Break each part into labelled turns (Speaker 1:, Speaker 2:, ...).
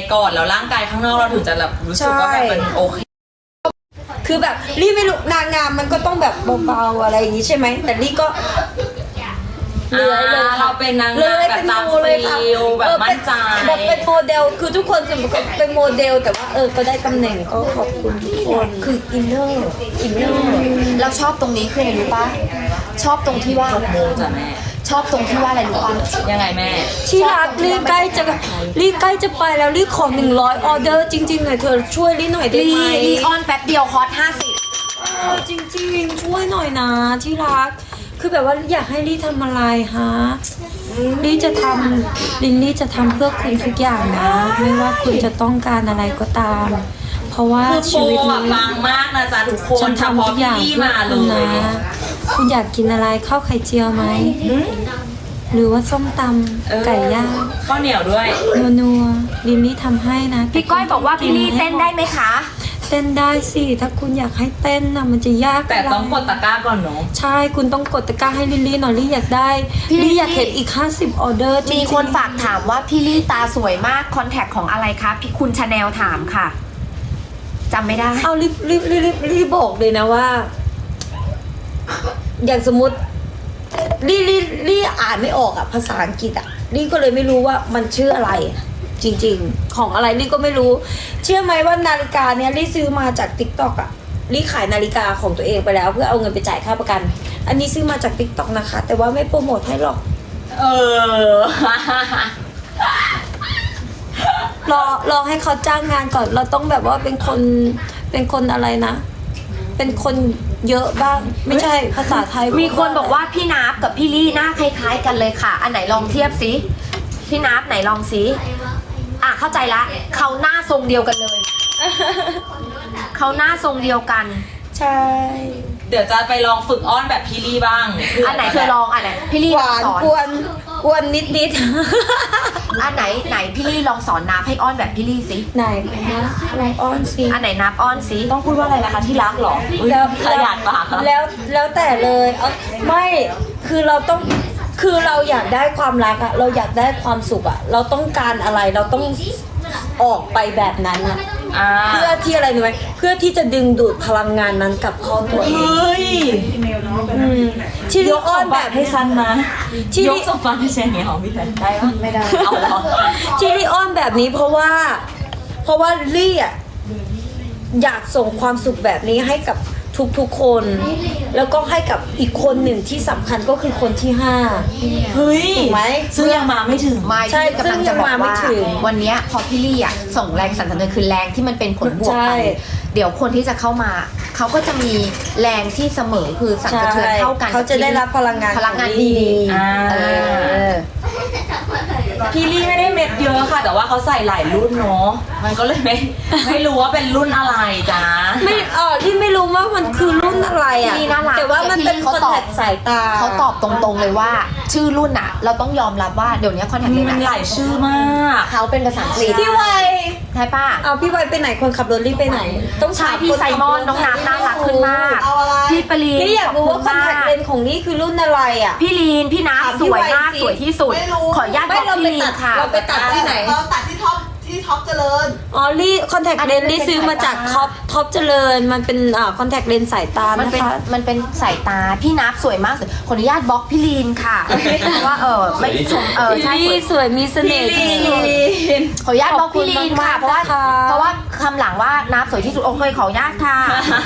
Speaker 1: ก่อนแล้วร่างกายข้างนอกเราถึงจะแบบรู้สึกว่าแบบมันโอเค
Speaker 2: คือแบบลี่ไม่รู้นางงามมันก็ต้องแบบเบาๆอะไรอย่างนี้ใช่ไหมแต่ลี่ก็เลย
Speaker 1: เราเป็นนางงามแบบตามฟิลแบบมั่นใจ
Speaker 2: แบบเป็นโมเดลคือทุกคนจะเป็นโมเดลแต่ว่าก็ได้ตำแหน่งก็ขอบคุณทุกคนคืออินเนอร์
Speaker 3: เราชอบตรงนี้คืออะไรรู้ปะชอบตรงที่ว่า
Speaker 1: โมจ้ะแม่
Speaker 3: ชอบตรงที่ว่าอะไรรู้ปะ
Speaker 1: ยังไงแม่
Speaker 2: ที่รักลี่ใกล้จะไปแล้วลี่ขอ100ออเดอร์จริงๆหน่อยเธอช่วยลี่หน่อยได้ไหม
Speaker 3: ลีออนแป๊บเดียวคอร์ส50
Speaker 2: จริงๆช่วยหน่อยนะที่รักคือแบบว่าอยากให้ลี่ทำอะไรฮะลี่จะทำลินลี่จะทำเพื่อคุณทุกอย่างนะไม่ว่าคุณจะต้องการอะไรก็ตาม เพราะว่า
Speaker 1: คือ
Speaker 2: ชีวิต
Speaker 1: โปร
Speaker 2: นี้
Speaker 1: ปังมากนะจ๊ะทุกคน
Speaker 2: ฉัน
Speaker 1: เฉ
Speaker 2: ทำ
Speaker 1: พาะ
Speaker 2: ทุกอย่าง
Speaker 1: พี่
Speaker 2: เพื่อ
Speaker 1: มาเล
Speaker 2: คุณ
Speaker 1: ย
Speaker 2: นะคุณอยากกินอะไรข้าวไข่เจียวไหมหรือว่าส้มตำไก่ย่าง
Speaker 1: ข้าวเหนียวด้วย
Speaker 2: นัวๆลินลี่ทำให้นะ
Speaker 3: พี่ก้อยบอกว่าพี่ลี่เต้นได้ไหมคะ
Speaker 2: เต้นได้สิถ้าคุณอยากให้เต้นนะมันจะยาก
Speaker 1: แต่ต้องกดตะกร้าก่อนเนาะ
Speaker 2: ใช่คุณต้องกดตะกร้าให้ลิลลี่หน่อยลี่อยากได้
Speaker 3: พี่ลิลลี่
Speaker 2: ลี่อยากเห็นอีก50ออเดอร์จริงๆ
Speaker 3: มีคนฝากถามว่าพี่ลี่ตาสวยมากคอนแทคของอะไรคะพี่คุณชาแนลถามค่ะจำไม่ได้
Speaker 2: เอารีบบอกเลยนะว่า อย่างสมมติลี่อ่านไม่ออกอะภาษาอังกฤษอะลี่ก็เลยไม่รู้ว่ามันชื่ออะไร จริงๆ ของอะไรลี่ก็ไม่รู้ เชื่อไหมว่านาฬิกาเนี้ยลี่ซื้อมาจาก TikTok อะลี่ขายนาฬิกาของตัวเองไปแล้ว เพื่อเอาเงินไปจ่ายค่าประกัน อันนี้ซื้อมาจาก TikTok นะคะ แต่ว่าไม่โปรโมทให้หรอก
Speaker 1: เออ
Speaker 2: รอให้เขาจ้างงานก่อน เราต้องแบบว่าเป็นคนอะไรนะ เป็นคนเยอะบ้าง ไม่ใช่ภาษาไทย
Speaker 3: มีคนบอกว่าพี่นับกับพี่ลี่หน้าคล้ายๆกันเลยค่ะ อันไหนลองเทียบสิพี่นับไหนลองสิเข้าใจละเขาหน้าทรงเดียวกันเลย เขาหน้าทรงเดียวกัน
Speaker 2: ใช่
Speaker 1: เดี๋ยวจะไปลองฝึกอ้อนแบบพี่ลี่บ้าง
Speaker 3: อันไหนเธอลองอันไหนพี่ลี่
Speaker 2: ห
Speaker 3: ลอง
Speaker 2: วาน
Speaker 3: สอน
Speaker 2: กวนนิด
Speaker 3: อันไหนพี่ลี่ลองสอนนับให้อ้อนแบบพี่ลี่สิ
Speaker 2: ไหนนะลองอ้อนสิ
Speaker 3: อันไหนนับอ้อนสิ
Speaker 1: ต้องพูดว่าอะไรนะคะที่รักเหรออุ๊ยขยันปากอะ
Speaker 2: แล้วแต่เลยไม่คือเราต้องคือเราอยากได้ความรักอะเราอยากได้ความสุขอะเราต้องการอะไรเราต้องออกไปแบบนั้นอะเพื่อที่อะไรรู้ไหมเพื่อที่จะดึงดูดพลังงานนั้นกลับเข้าตัวเอง
Speaker 1: เฮ้ย
Speaker 2: ที่
Speaker 1: ย
Speaker 2: ลี่
Speaker 1: ก
Speaker 2: อ้
Speaker 1: ส
Speaker 2: อน
Speaker 1: ม
Speaker 2: แบ
Speaker 1: บั
Speaker 2: บ
Speaker 1: ติให้ฉันนะ
Speaker 2: ที่
Speaker 1: ย
Speaker 2: ลี่
Speaker 1: กสมบัติให้ฉันเนี่ยของพี่แพนได้ปะ
Speaker 2: ไม่ได้
Speaker 1: เอาเหรอ
Speaker 2: ที่ลี่อ้อนแบบนี้เพราะว่าลี่อะอยากส่งความสุขแบบนี้ให้กับทุกๆคน แล้วก็ให้กับอีกคนหนึ่งที่สำคัญก็คือคนที่5
Speaker 1: เฮ้ย
Speaker 2: ถูกไหม
Speaker 1: ซึ่งยังมาไม่ถึง
Speaker 3: ไม่
Speaker 2: ใช่
Speaker 3: พี่กำลังจะบอก
Speaker 2: ซึ่งยังมาไม่
Speaker 3: ว่า
Speaker 2: ถึง
Speaker 3: วันเนี้ยพอพี่ลี่ส่งแรงสั่นสะเทือนคือแรงที่มันเป็นผลบวก
Speaker 2: ใช่
Speaker 3: ไปเดี๋ยวคนที่จะเข้ามาเขาก็จะมีแรงที่เสมอคือสั่นสะเทือนเท่ากัน
Speaker 2: เขาจะได้รับพลังงาน
Speaker 3: พลังงาน
Speaker 2: ของ
Speaker 3: ดี
Speaker 2: ลี่
Speaker 3: เออ
Speaker 1: พี่ลี่ไม่ได้เม็ดเยอะค่ะ แต่ว่าเขาใส่หลายรุ่นเนาะมันก็เลยไม่รู้ว่าเป็นรุ่นอะไรจ้า
Speaker 2: ไม่ลี่ไม่รู้ว่ามันคือรุ่นอะไรอ่ะ
Speaker 3: พี่น่ารัก
Speaker 2: แต่ว่ามันเป็นคอนแทคสายตา
Speaker 3: เขาตอบตรงๆเลยว่า ชื่อรุ่นเราต้องยอมรับว่าเดี๋ยวนี้คอนแทคเลน
Speaker 1: มันหลายชื่อมาก
Speaker 3: เขาเป็นภาษาอังกฤษ
Speaker 2: พี่ไว
Speaker 3: ใช่ป่ะ
Speaker 2: เอาพี่ไวไปไหนคนขับรถลี่ไปไหน ต้อง
Speaker 3: ใช่
Speaker 2: ถาม
Speaker 3: พี่
Speaker 2: คน
Speaker 3: ไซ
Speaker 2: ขับ
Speaker 3: มอน
Speaker 2: รถ
Speaker 3: น้องน้ำน่ารักขึ้นมาก
Speaker 2: เอาอะไร
Speaker 3: พี่ปรีน
Speaker 2: นี่อยากรู้ว่าคอนแทคเลน
Speaker 3: ขบ
Speaker 2: ของนี่คือรุ่นอะไรอ่ะ
Speaker 3: พี่ลีนพี่นับ
Speaker 2: ถาม
Speaker 3: ส
Speaker 2: พี่
Speaker 3: วยมาก
Speaker 2: ไวสิ
Speaker 3: สวยที่สุด
Speaker 4: ไม่รู้
Speaker 3: ขออนุญาตบ
Speaker 2: ไม่
Speaker 3: อก
Speaker 2: เรา
Speaker 3: พี่
Speaker 2: ไป
Speaker 3: ลีน
Speaker 2: ตัด
Speaker 3: ค่ะ
Speaker 2: เราไปตัดที่ไหน
Speaker 4: เราตัดที่ท็อปเจริญ
Speaker 2: อ๋อลี่คอนแทคเลนลี่ซื้อมาจากท็อปเจริญมันเป็นคอนแทคเลนสายตา
Speaker 3: มัน
Speaker 2: นะ
Speaker 3: เป็น
Speaker 2: คะ
Speaker 3: มันเป็นสายตาพี่นับสวยมากขออนุญาตบล็อกพี่ลีนค่ะเพราะว่าไม่ชมใช่
Speaker 2: ลี่สวยมีเสน่ห์ที่สุด
Speaker 3: ขออนุญาตบล็อกพี่ลีนค่ะ
Speaker 2: ขอบคุณมากๆนะคะ
Speaker 3: เพราะว่าคำหลังว่านับสวยที่สุดโอเคขออนุญาตค่ะ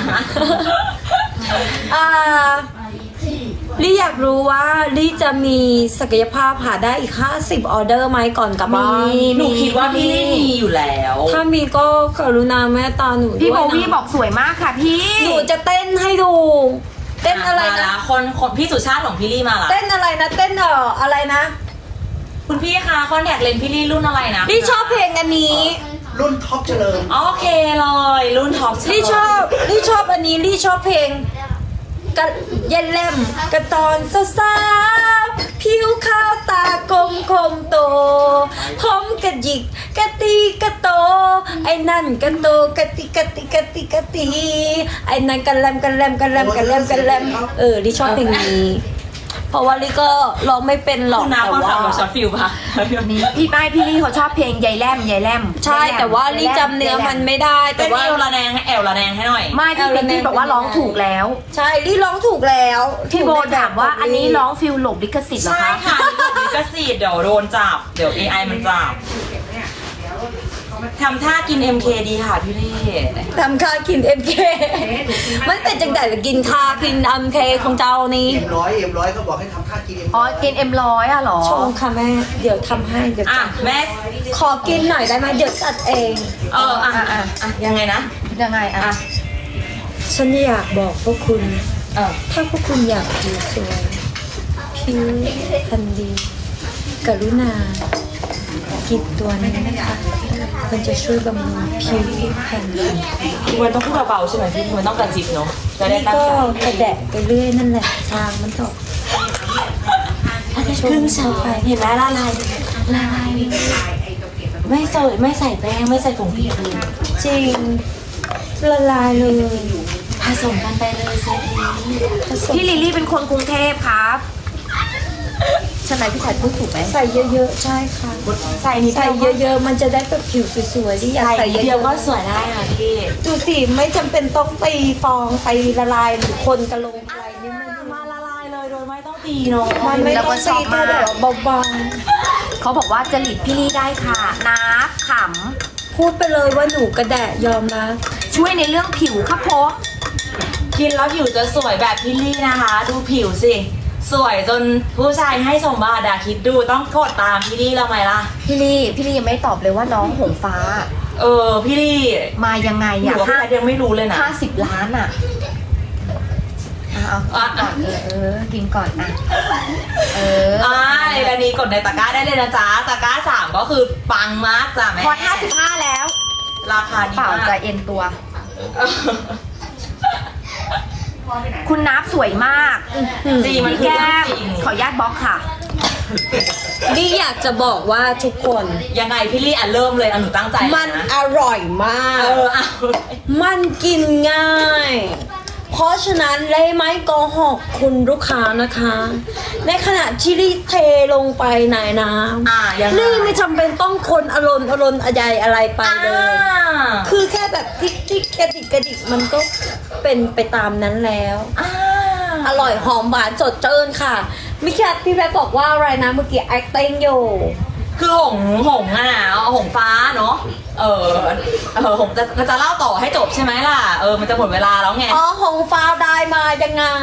Speaker 2: ลี่อยากรู้ว่าลี่จะมีศักยภาพหาได้อีก50ออเดอร์ไหมก่อนกลับบ้าน
Speaker 1: หนูคิดว่าพี่ลี่มีอยู่แล้ว
Speaker 2: ถ้ามีก็กรุณาแม่ตาหนู
Speaker 3: พี่โบ
Speaker 2: ด้วยนะ
Speaker 3: วี่บอกสวยมากค่ะพี่
Speaker 2: หนูจะเต้นให้ดู เต้นอะไร
Speaker 1: มา
Speaker 2: นะ
Speaker 1: ละคนพี่สุชาติของพี่ลี่มาละ
Speaker 2: เต้นอะไรนะเต้นอะไรนะ
Speaker 1: คุณพี่คะคอนแทคเลนส์พี่ลี่รุ่นอะไรนะ
Speaker 2: ลี่ชอบเพลงอันนี้
Speaker 4: รุ่นท็อปเจริญ
Speaker 1: โอเคเลยรุ่นท็อป
Speaker 2: ลี่ชอบอันนี้ลี่ชอบเพลงกะเย็นเล่มกระตอนสาวๆผิวขาวตากลมคมโตผมกระหยิกกะตีกะโต ไอ้นั่นกะโตกะติกะติกะติกะตีไอ้นั่นกะแลมกะแลมกะแลมกะแลมกะแลมลี่ชอบเพลงนี้เพราะว่าลี่ก็ร้องไม่เป็นหรอก
Speaker 1: คุณน้า
Speaker 2: แต่
Speaker 1: คน
Speaker 2: ว่า
Speaker 1: ขับรถช็อตฟิลปะ
Speaker 3: นี่พี่ลี่เขาชอบเพลงยายแลมยายแลม
Speaker 2: ใช่แต่ว่าลี่จำเนื้อมันไม่ได้
Speaker 1: แต่
Speaker 2: แต่
Speaker 1: ว่า
Speaker 2: ว่า
Speaker 1: เอวระแนงให้เอวระแนงให้หน่อย
Speaker 3: ไม่พี่บอกว่าร้องถูกแล้ว
Speaker 2: ใช่ลี่ร้องถูกแล้ว
Speaker 3: พี่โบถามว่าอันนี้ร้องฟิลหลบลิขสิทธิ์เหรอ
Speaker 1: ใช่
Speaker 3: คะ
Speaker 1: ค่ะลิขสิทธิ์เดี๋ยวโดนจับ เดี๋ยว AI มันจับทำท่ากิน MK ดีค่ะพี่เล่
Speaker 2: ทำค่ากิน MK มันเป็นจังแต่กินค่ากิน MK ของเจ้านี่
Speaker 4: เอ็มร้อยเขาบอกให้ทำค่ากินเอ็ม
Speaker 3: อ๋อกินM100อ่ะเหรอ
Speaker 2: ชงค่ะแม่เดี๋ยวทำให้เดี๋ยว
Speaker 1: อ่ะ
Speaker 2: จัด
Speaker 1: แม่
Speaker 2: ขอกินหน่อยได้ไหมเดี๋ยวจัดเอง
Speaker 1: อ่ะยังไงนะ
Speaker 3: ยังไงอ่ะ
Speaker 2: ฉันอยากบอกพวกคุณ
Speaker 1: เออ
Speaker 2: ถ้าพวกคุณอยากผิวสวยผิวพันดีกรุณากินตัวนี้นะคะมันจะช่วยบำรุงผิวพรรณ
Speaker 1: พี่มันต้องพูดเบาๆใช่ไหมพี่มันต้องกระจิบเนาะจะได้
Speaker 2: นี่
Speaker 1: ตั้ง
Speaker 2: ก็
Speaker 1: ใจ
Speaker 2: กระแดะไปเรื่อยนั่นแหละทางมันตก
Speaker 1: ครึ่งเช้าไปเห็นไหมละลายไม่ใส่แป้งไม่ใส่ผงพีค
Speaker 2: จริงละลายเลย
Speaker 1: ผสมกันไปเลยเซรี
Speaker 2: ผสม
Speaker 3: พี่ลิลลี่เป็นคนกรุงเทพครับใช่ไหมพี่ชายพูดถูกไหม
Speaker 2: ใส่เยอะๆใช่ค่ะ
Speaker 1: ใส่นิด
Speaker 2: ใส่
Speaker 1: เดียว
Speaker 2: เยอะๆมันจะได้แบบผิวสวยๆที่อยาก
Speaker 1: ใส่
Speaker 2: ใส่
Speaker 1: นิด
Speaker 2: เย
Speaker 1: เดียว
Speaker 2: อะ
Speaker 1: ก็สวยได้ค่ะพี่
Speaker 2: ๆดูสิไม่จำเป็นต้องตีฟองตีละลายหรือคนกระลงอะไรนี่มัน
Speaker 1: มาละลายเลยโดยไม่ต้องตีเนาะ
Speaker 2: มันไม่ต้องตีแค่แบบเบา
Speaker 3: เขาบอกว่าจริตพี่ลี่ได้ค่ะน้าข
Speaker 2: ๆพูดไปเลยว่าหนูกระแดะยอมนะ
Speaker 3: ำช่วยในเรื่องผิวครับผม
Speaker 1: กินแล้วผิวจะสวยแบบพี่ลี่นะคะ ดูผิวสิสวยจนผู้ชายให้สมบัติอะคิดดูต้องกดตามพี่ลี่แล้วไหมล่ะ
Speaker 3: พี่ลี่ยังไม่ตอบเลยว่าน้องหงฟ้า
Speaker 1: พี่ลี่
Speaker 3: มายังไง
Speaker 1: หนู
Speaker 3: อ่ะ
Speaker 1: ว่าพี่แพทย์ยังไม่รู้เลยนะ
Speaker 3: 50 ล้านอ่ะเอาก่อนกินก่อนอ่ะ
Speaker 1: ในรายนี้กดในตะกร้าได้เลยนะจ๊ะตะกร้า3ก็คือปังมากจ้ะแม่
Speaker 3: พอ55แล้ว
Speaker 1: ราคาดี
Speaker 3: เปล่าม
Speaker 1: าก
Speaker 3: จะเอ็นตัว คุณนับสวยมาก
Speaker 1: จริงมัน
Speaker 3: พี่
Speaker 1: คือ
Speaker 3: แก้
Speaker 1: เรื่อง
Speaker 3: ม
Speaker 1: จริง
Speaker 3: ขออนุญาตบล็อกค่ะ
Speaker 2: นี่อยากจะบอกว่าทุกคน
Speaker 1: ยังไงพี่ลี่เริ่มเลยหนูตั้งใจ
Speaker 2: มัน
Speaker 1: นะ
Speaker 2: อร่อยมาก
Speaker 1: เอา
Speaker 2: มันกินง่าย เพราะฉะนั้นเลยไม่โกหกคุณลูกค้านะคะ ในขณะที่รีเทลงไปในน้ำ
Speaker 1: ยังไง
Speaker 2: นี่ไม่จำเป็นต้องคนอรนอะไรอะไรไปเลย คือแค่แบบทิกกระดิกมันก็เป็นไปตามนั้นแล้ว อร่อยหอมหวานสดชื่นค่ะมิคิดพี่แพทบอกว่าอะไรนะเมื่อกี้ acting อยู่
Speaker 1: คือหงอ่ะหงฟ้าเนาะหงจะเล่าต่อให้จบใช่ไหมล่ะมันจะหมดเวลาแล้วไง
Speaker 2: อ๋อหงฟ้าได้มายังไง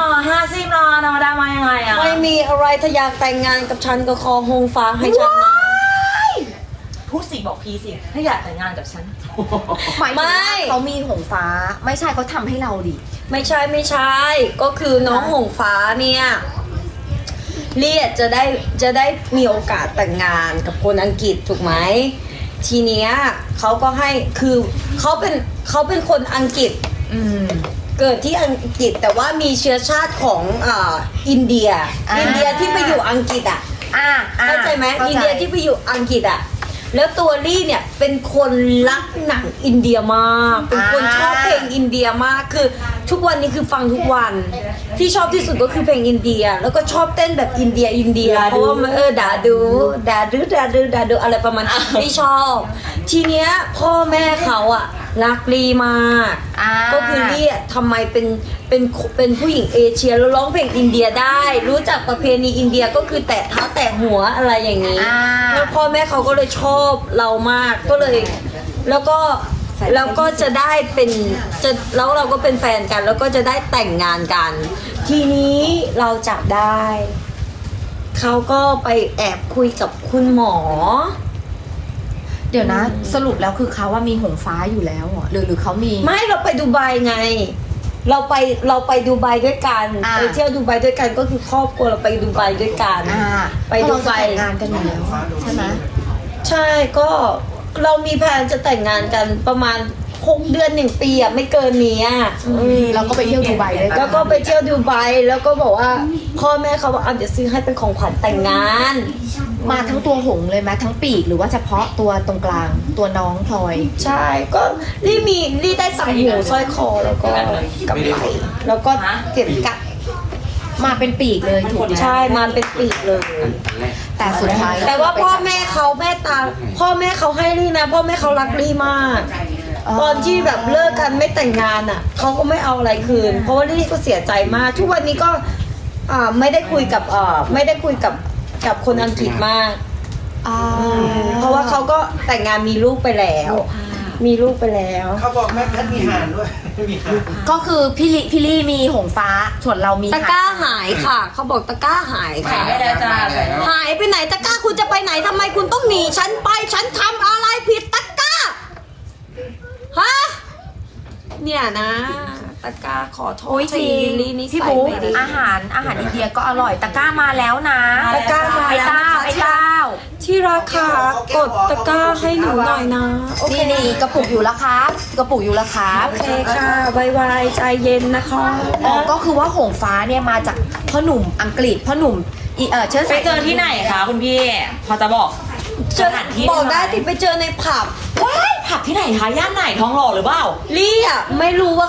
Speaker 1: 50 ล้านเอามาได้มายังไงอ่ะ
Speaker 2: ไม่มีอะไรถ้าอยากแต่งงานกับฉันก็ขอหงฟ้าให้ฉันนะ
Speaker 1: พูดสิบอกพีสิถ้าอยากแต่งงานกับฉัน
Speaker 3: หมายถึงว่าเขามีหงฟ้าไม่ใช่เขาทำให้เราดิ
Speaker 2: ไม่ใช่ก็คือน้องหงฟ้าเนี่ยเลียจะได้มีโอกาสแต่งงานกับคนอังกฤษถูกไหมทีเนี้ยเขาก็ให้คือเขาเป็นคนอังกฤษเกิดที่อังกฤษแต่ว่ามีเชื้อชาติของอินเดียที่ไปอยู่อังกฤษอ่ะเข้าใจไหมอินเดียที่ไปอยู่อังกฤษอ่ะแล้วตัวลี่เนี่ยเป็นคนรักหนังอินเดียมากเป็นคนชอบเพลงอินเดียมากคือทุกวันนี้คือฟังทุกวันที่ชอบที่สุดก็คือเพลงอินเดียแล้วก็ชอบเต้นแบบอินเดียเพราะว่ามันด่าดูอะไรประมาณที่ชอบทีเนี้ยพ่อแม่เขาอะรักลี่มากก็คือลี่ทำไมเป็นผู้หญิงเอเชียแล้วร้องเพลงอินเดียได้ รู้จักประเพณีอินเดียก็คือแตะเท้าแตะหัวอะไรอย่างนี้แล้วพ่อแม่เขาก็เลยชอบเรามากก็เลยแล้วก็จะได้แล้วเราก็เป็นแฟนกัน แล้วก็จะได้แต่งงานกัน ทีนี้เราจับได้เขาก็ไปแอบคุยกับคุณหมอ
Speaker 3: เดี๋ยวนะ สรุปแล้วคือเขาว่ามีหงฟ้าอยู่แล้วเหรอหรือเขามี
Speaker 2: ไม่เราไปดูไบไง เราไปดูไบด้วยกันไปเที่ยวดูไบด้วยกันก็คือครอบครัวเราไปดูไบด้วยกันไปดูไบ
Speaker 3: แต่งงานกันอยู่แล้วใช่ไหม
Speaker 2: ใช่ก็เรามีแผนจะแต่งงานกันประมาณ6 เดือน1 ปีอะไม่เกินนี้อะ
Speaker 3: เราก็ไปเที่ยวดูไบด้วยกัน
Speaker 2: แล้วก็ไปเที่ยวดูไบแล้วก็บอกว่าพ่อแม่เขาบอกเดี๋ยวซื้อให้เป็นของขวัญแต่งงาน
Speaker 3: มาทั้งตัวหงส์เลยไหมทั้งปีกหรือว่าเฉพาะตัวตรงกลางตัวน้องพลอย
Speaker 2: ใช่ก็ลี่ได้ตังหูสร้อยคอแล้วก็กำไรแล้วก็เก็บกัด
Speaker 3: มาเป็นปีกเลยถูกไหม
Speaker 2: ใช่มาเป็นปีกเลย
Speaker 3: แต่สุดท้าย
Speaker 2: แต่ว่าพ่อแม่เขาแม่ตาพ่อแม่เขาให้ลี่นะพ่อแม่เขารักลี่มาก ตอนที่แบบเลิกกันไม่แต่งงานอ่ะเขาก็ไม่เอาอะไรคืน เพราะว่าลี่ก็เสียใจมาก ทุกวันนี้ก็ไม่ได้คุยกับไม่ได้คุยกับคนอังกฤษมาก เพราะว่าเขาก็แต่งงานมีลูกไปแล้ว มีลูกไปแล้ว
Speaker 4: เขาบอกแม่แพทย์มีห่านด้วย มีห่าน
Speaker 3: ก็คือพี่ลี่มีหงฟ้าส่วนเรามี
Speaker 2: ตะกร้าหายค่ะ เขาบอกตะกร้าหาย
Speaker 1: ใส่
Speaker 2: ค่ะ
Speaker 1: ไม่ได้จ้าใส่ไม่ได้
Speaker 2: หายไปไหนตะกร้าคุณจะไปไหนทำไมคุณต้องหนีฉันไปฉันทำอะไรผิดตะกร้าฮะเนี่ยนะตะกร้าขอโทษ
Speaker 3: โอ้ยจริง
Speaker 2: ลิลลี่นี่
Speaker 3: พี่
Speaker 2: ใส่
Speaker 3: บุ๊ก
Speaker 2: ไม่ดี
Speaker 3: อาหารอินเดียก็อร่อยตะกร้ามาแล้วนะ
Speaker 2: ตะกร้ามา
Speaker 3: ไอ้
Speaker 2: แล้ว
Speaker 3: เต้า
Speaker 2: นะคะ
Speaker 3: ไอ้เต้า
Speaker 2: ที่ราคากดตะกร้าให้หนูหน่อยนะโอเค
Speaker 3: นี่กระปุกอยู่แล้วครับกระปุกอยู่แล้วครับ
Speaker 2: โอเคค่ะไวๆใจเย็นนะคะ
Speaker 3: อ๋อก็คือว่าหงฟ้าเนี่ยมาจากพ่อหนุ่มอังกฤษพ่อหนุ่มเชื้อ
Speaker 1: ไป
Speaker 3: สาย
Speaker 1: เจอที่ไหนคะคุณพี่ พอจะบอก
Speaker 2: เจอ
Speaker 1: สถานที่
Speaker 2: บอกได้
Speaker 1: หม
Speaker 2: ที่ไปเจอในผับ
Speaker 1: ว้ายผับที่ไหนคะย่านไหนทองหล่อหรือเปล่า
Speaker 2: ลี่อ่ะไม่รู้ว่า